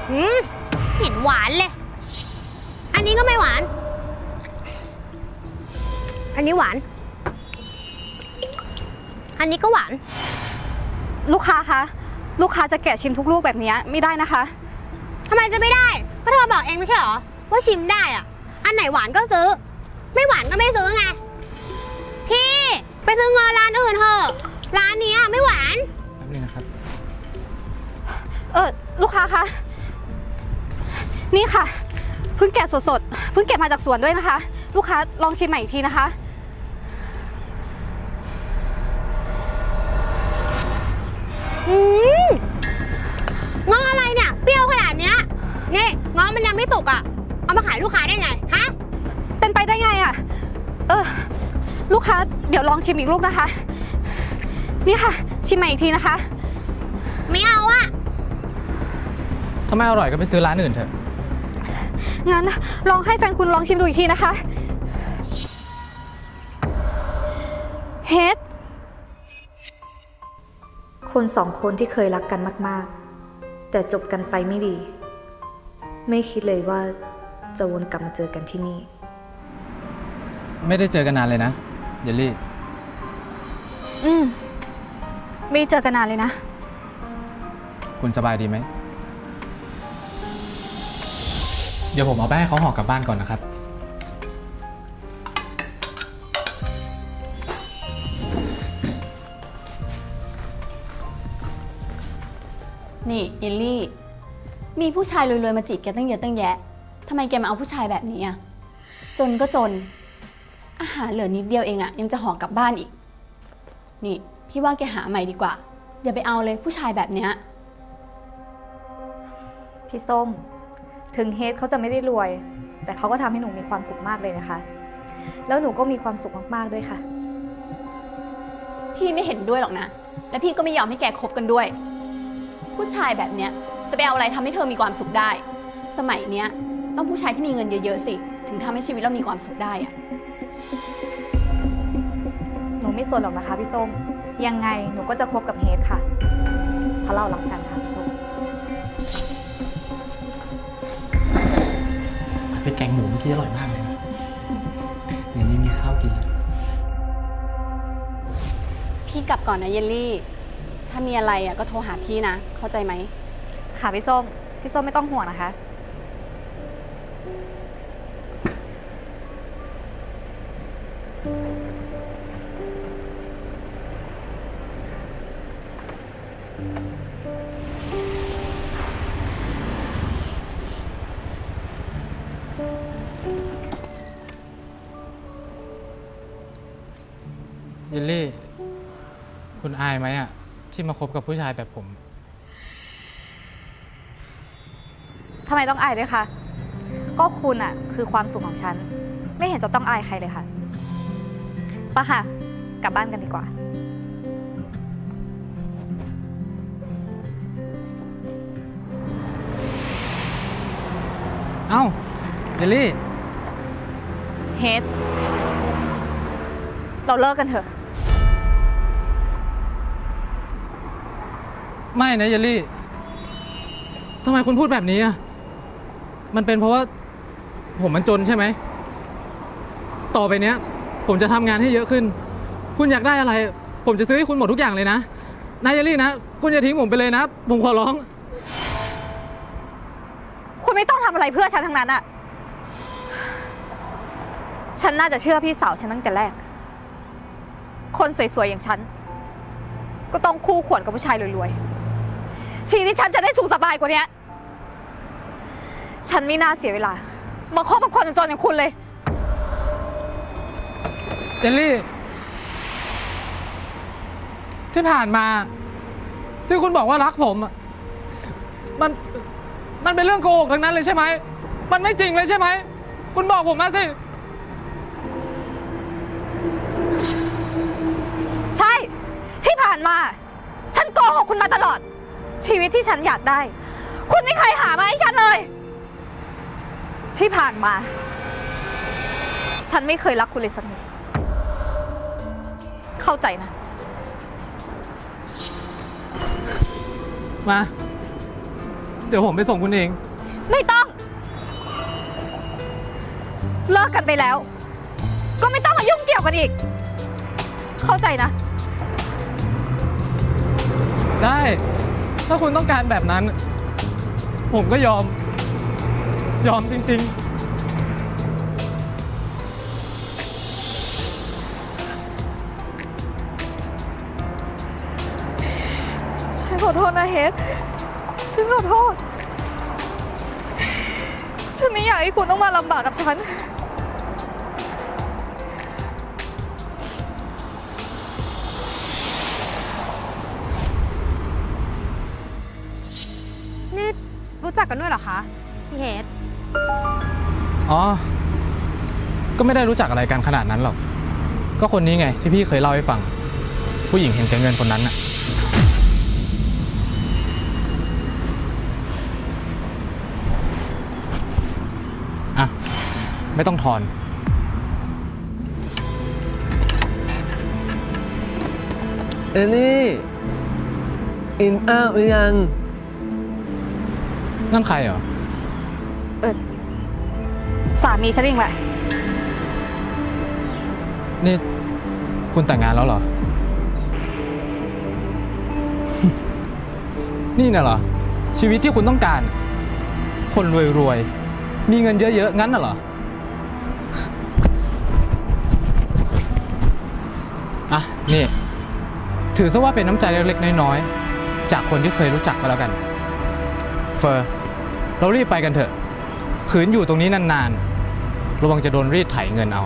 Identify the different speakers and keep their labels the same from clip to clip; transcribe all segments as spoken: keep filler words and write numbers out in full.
Speaker 1: หืมเห็นหวานเลย อันนี้ก็ไม่หวาน อันนี้หวาน อันนี้ก็หวาน
Speaker 2: ลูกค้าคะลูกค้าจะแกะชิมทุกลูกแบบนี้ไม่ได้นะคะ
Speaker 1: ทำไมจะไม่ได้ก็เธอบอกเองไม่ใช่หรอว่าชิมได้อะอันไหนหวานก็ซื้อ ไม่หวานก็ไม่ซื้อไงพี่ไปซื้องอร้านอื่นเถอะร้านนี้ไม่หวาน
Speaker 3: แป๊บนึงนะครับ
Speaker 2: เออลูกค้าคะนี่ค่ะเพิ่งแกะสดๆเพิ่งเก็บมาจากสวนด้วยนะคะ ลูกค้าลองชิมใหม่อีกทีนะคะ
Speaker 1: อืมงออะไรเนี่ยเปรี้ยวขนาดเนี้ยนี่งอมันยังไม่สุกอ่ะเอามาขายลูกค้าได้ไงฮะ
Speaker 2: เป็นไปได้ไงอ่ะเออลูกค้าเดี๋ยวลองชิมอีกลูกนะคะนี่ค่ะชิมใหม่อีกทีนะคะ
Speaker 1: ไม่เอาอ่ะ
Speaker 3: ถ้าไม่อร่อยก็ไปซื้อร้านอื่นเถอะ
Speaker 2: งั้นลองให้แฟนคุณลองชิมดูอีกทีนะคะเฮด
Speaker 4: คนสองคนที่เคยรักกันมากๆแต่จบกันไปไม่ดีไม่คิดเลยว่าจะวนกลับมาเจอกันที่นี่
Speaker 3: ไม่ได้เจอกันนานเลยนะเยลลี่
Speaker 2: อืมไม่เจอกันนานเลยนะ
Speaker 3: คุณสบายดีไหมเดี๋ยวผมเอาไปให้เขาห่อกลับบ้านก่อนนะครับ
Speaker 5: นี่เยลลี่มีผู้ชายรวยๆมาจีบแกตั้งเยอะตั้งแยะทำไมแกมาเอาผู้ชายแบบนี้อ่ะจนก็จนอาหารเหลือนิดเดียวเองอ่ะยังจะห่อกลับบ้านอีกนี่พี่ว่าแกหาใหม่ดีกว่าอย่าไปเอาเลยผู้ชายแบบเนี้ย
Speaker 4: พี่ส้มถึงเฮดเขาจะไม่ได้รวยแต่เขาก็ทำให้หนูมีความสุขมากเลยนะคะแล้วหนูก็มีความสุขมากๆด้วยค่ะ
Speaker 5: พี่ไม่เห็นด้วยหรอกนะและพี่ก็ไม่ยอมให้แกคบกันด้วยผู้ชายแบบเนี้ยจะไปเอาอะไรทำให้เธอมีความสุขได้สมัยเนี้ยต้องผู้ชายที่มีเงินเยอะๆสิถึงทำให้ชีวิตเรามีความสุขได้อะ
Speaker 4: หนูไม่สนหรอกนะคะพี่ส้มยังไงหนูก็จะคบกับเฮดค่ะเพราะเรารักกันค่ะพี่ส้ม
Speaker 3: ผัดพริกแกงหมูเมื่อกี้อร่อยมากเลยนะอย่างนี้มีข้าวกินแล้ว
Speaker 5: พี่กลับก่อนนะเยลลี่ถ้ามีอะไรอ่ะก็โทรหาพี่นะเข้าใจไหม
Speaker 4: ค่ะพี่ส้มพี่ส้มไม่ต้องห่วงนะคะ
Speaker 3: เยลลี่คุณอายไหมอ่ะที่มาคบกับผู้ชายแบบผม
Speaker 4: ทำไมต้องอายด้วยคะก็คุณอะคือความสุขของฉันไม่เห็นจะต้องอายใครเลยค่ะปะค่ะกลับบ้านกันดีกว่า
Speaker 3: เอ้าเยลลี่
Speaker 4: เฮดเราเลิกกันเถอะ
Speaker 3: ไม่นะเยลลี่ทำไมคุณพูดแบบนี้อ่ะมันเป็นเพราะว่าผมมันจนใช่ไหมต่อไปเนี้ยผมจะทำงานให้เยอะขึ้นคุณอยากได้อะไรผมจะซื้อให้คุณหมดทุกอย่างเลยนะนายเยลลี่นะคุณอย่าทิ้งผมไปเลยนะผมขอร้อง
Speaker 4: คุณไม่ต้องทำอะไรเพื่อฉันทั้งนั้นอะฉันน่าจะเชื่อพี่สาวฉันตั้งแต่แรกคนสวยๆอย่างฉันก็ต้องคู่ควรกับผู้ชายรวยๆชีวิตฉันจะได้สุขสบายกว่านี้ฉันไม่น่าเสียเวลามาคบกับคนจนๆอย่างคุณเลย
Speaker 3: เจลลี่ที่ผ่านมาที่คุณบอกว่ารักผมมันมันเป็นเรื่องโกหกทั้งนั้นเลยใช่ไหมมันไม่จริงเลยใช่ไหมคุณบอกผมมาสิ
Speaker 4: ใช่ที่ผ่านมาฉันโกหกคุณมาตลอดชีวิตที่ฉันอยากได้คุณไม่เคยหามาให้ฉันเลยที่ผ่านมาฉันไม่เคยรักคุณเลยสักนิดเข้าใจนะ
Speaker 3: มาเดี๋ยวผมไปส่งคุณเอง
Speaker 4: ไม่ต้อง เลิกกันไปแล้ว ก็ไม่ต้องมายุ่งเกี่ยวกันอีก เข้าใจนะ
Speaker 3: ได้ ถ้าคุณต้องการแบบนั้น ผมก็ยอม ยอมจริง ๆ
Speaker 4: ฉันขอโทษนะเฮดฉันขอโทษ ฉันไม่อยากให้คุณต้องมาลำบากกับฉัน
Speaker 2: นี่รู้จักกันด้วยเหรอคะ พี่เฮด
Speaker 3: อ๋อ ก็ไม่ได้รู้จักอะไรกันขนาดนั้นหรอก ก็คนนี้ไงที่พี่เคยเล่าให้ฟัง ผู้หญิงเห็นแก่เงินคนนั้นน่ะ อ่ะ ไม่ต้องทอน
Speaker 6: เอลลี่อินอ้าวหรือยัง
Speaker 3: นั่นใครเหรอ
Speaker 4: เออสามีฉันเองแหละ
Speaker 3: นี่คุณแต่งงานแล้วเหรอ นี่น่ะเหรอ ชีวิตที่คุณต้องการ คนรวยๆ มีเงินเยอะๆ งั้นน่ะเหรอ อ่ะ นี่ ถือซะว่าเป็นน้ำใจเล็กๆ น้อยๆ จากคนที่เคยรู้จักก็แล้วกัน เฟอร์ เรารีบไปกันเถอะ ขืนอยู่ตรงนี้นานๆ ระวังจะโดนรีดไถเงินเอา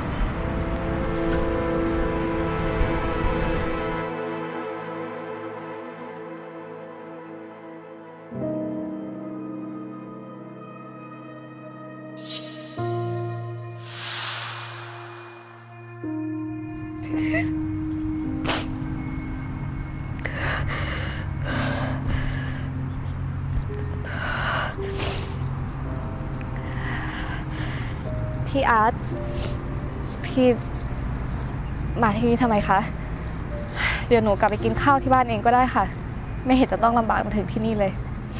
Speaker 4: พี่อาร์ต พี่มาที่นี่ทำไมคะ เดี๋ยวหนูกลับไปกินข้าวที่บ้านเองก็ได้ค่ะ ไม่เห็นจะต้องลำบากมาถึงที่นี่เลย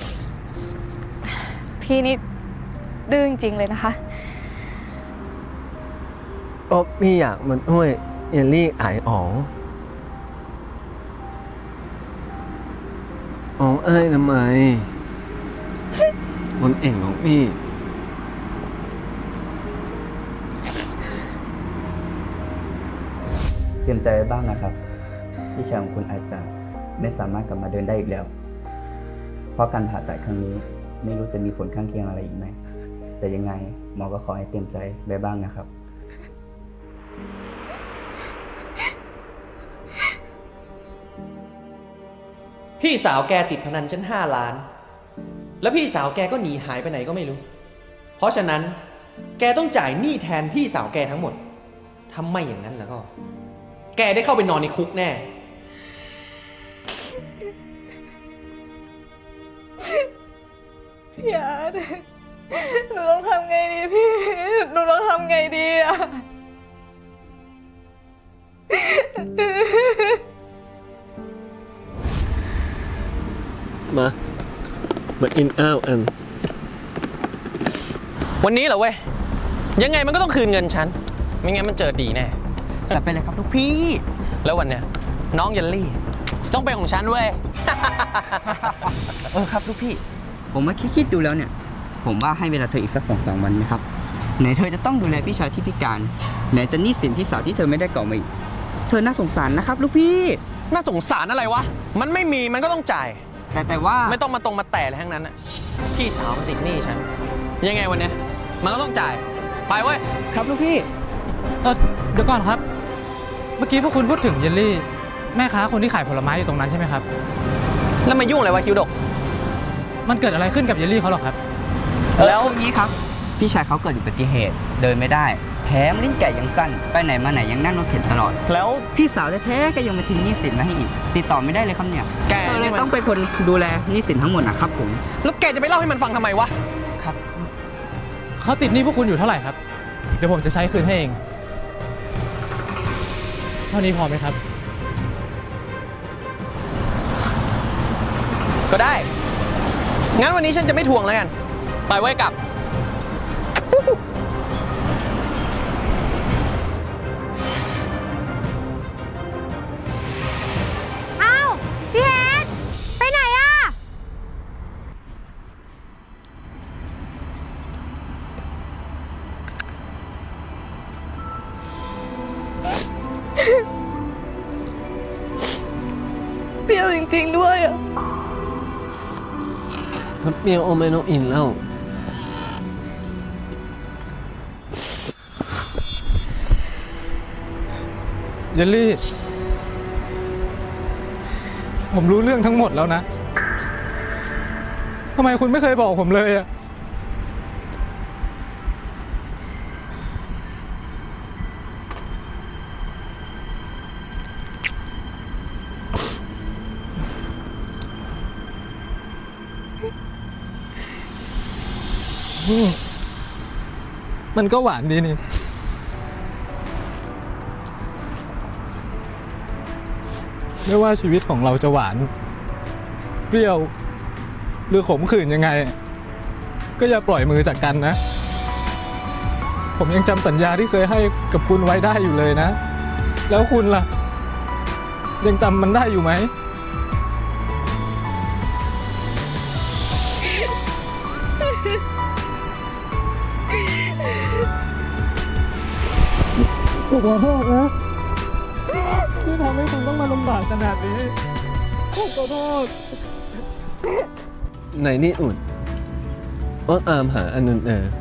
Speaker 4: พี่นี่ดื้อจริงๆเลยนะคะ
Speaker 6: โอ้พี่อยากมันห้วยเอลลี่อายอ๋องอ๋องเอ้ยทำไมมันเอ่งของพี่
Speaker 7: เตรียมใจไว้บ้างนะครับพี่ชายของคุณอาจจะไม่สามารถกลับมาเดินได้อีกแล้ว เพราะการผ่าตัดครั้งนี้ไม่รู้จะมีผลข้างเคียงอะไรอีกไหม แต่ยังไงหมอก็ขอให้เตรียมใจไว้บ้างนะครับ
Speaker 8: พี่สาวแกติดพนันฉันห้าล้าน แล้วพี่สาวแกก็หนีหายไปไหนก็ไม่รู้ เพราะฉะนั้นแกต้องจ่ายหนี้แทนพี่สาวแกทั้งหมดถ้าไม่อย่างนั้นแล้วก็ แกได้เข้าไปนอนในคุกแน่
Speaker 4: พี่อาร์ต หนูต้องทำไงดีพี่ หนูต้องทำไงดีอะ
Speaker 6: มามาอินอ้าวอัน
Speaker 8: วันนี้เหรอเว้ย ยังไงมันก็ต้องคืนเงินฉัน ไม่งั้นมันเจอดีแน่
Speaker 7: จัดไปเลยครับทุกพี่
Speaker 8: แล้ววันเนี้ยน้องเยลลี่จะต้องเป็นของฉันเว้ย
Speaker 7: เออครับทุกพี่ ผมมาคิดๆดูแล้วเนี่ย ผมว่าให้เวลาเธออีกสักสองสามวันไหมครับ ไหนเธอจะต้องดูแลพี่ชายที่พิการ ไหนจะหนี้สินพี่สาวที่เธอไม่ได้ก่อมาอีก เธอน่าสงสารนะครับลูกพี่
Speaker 8: น่าสงสารอะไรวะ มันไม่มีมันก็ต้องจ่าย
Speaker 7: แต่แต่ว่า
Speaker 8: ไม่ต้องมาตรงมาแต่อะไรทั้งนั้นอะพี่สาวมันติดหนี้ฉัน ยังไงวันเนี้ยมันก็ต้องจ่าย ไปเว้ย
Speaker 7: ครับลูกพี่
Speaker 3: เออเดี๋ยวก่อนครับ เมื่อกี้พวกคุณพูดถึงเยลลี่ แม่ค้าคนที่ขายผลไม้อยู่ตรงนั้นใช่ไหมครับ
Speaker 8: แล้วมายุ่งอะไรวะคิวดก
Speaker 3: มันเกิดอะไรขึ้นกับเยลลี่เขาหรอครับ
Speaker 7: แล้วอย่างนี้ครับ พี่ชายเขาเกิดอุบัติเหตุ เดินไม่ได้ แถมลิ้นแก่ยังสั้น ไปไหนมาไหนยังนั่งรถเข็นตลอด
Speaker 8: แล้ว
Speaker 7: พี่สาวแท้ๆก็ยังมาทิ้งหนี้สินมาให้อีก ติดต่อไม่ได้เลยครับเนี่ย
Speaker 8: แก
Speaker 7: เธอเล
Speaker 8: นี่
Speaker 7: ย
Speaker 8: มัน
Speaker 7: ต้องเป็นคนดูแลหนี้สินทั้งหมดนะครับผม
Speaker 8: แล้วแกจะไปเล่าให้มันฟังทำไมวะ
Speaker 7: ครับ
Speaker 3: เขาติดหนี้พวกคุณอยู่เท่าไหร่ครับ เดี๋ยวผมจะใช้คืนให้เอง เท่านี้พอไหมครับ
Speaker 8: ก็ได้งั้นวันนี้ฉันจะไม่ทวงแล้วกัน ไปไว้กลับ
Speaker 1: อ้าวพี่เฮดไปไหนอะ
Speaker 4: เปรี้ยวจริงๆด้วยอะ
Speaker 6: ถ้าเปรี้ยวโอไม่ต้องอินแล้ว
Speaker 3: เยลลี่ ผมรู้เรื่องทั้งหมดแล้วนะ ทำไมคุณไม่เคยบอกผมเลยอะอืมมันก็หวานดีนี่ ไม่ว่าชีวิตของเราจะหวาน เปรี้ยว หรือขมขื่นยังไง ก็อย่าปล่อยมือจากกันนะ ผมยังจำสัญญาที่เคยให้กับคุณไว้ได้อยู่เลยนะ แล้วคุณล่ะ ยังจำมันได้อยู่ไหม ผมขอโทษนะที่ทำให้คุณต้องมาลำบากขนาดนี้ผมขอโทษ
Speaker 6: ไหนนี่อุ่นอ้อนอามหาอันนุนเออ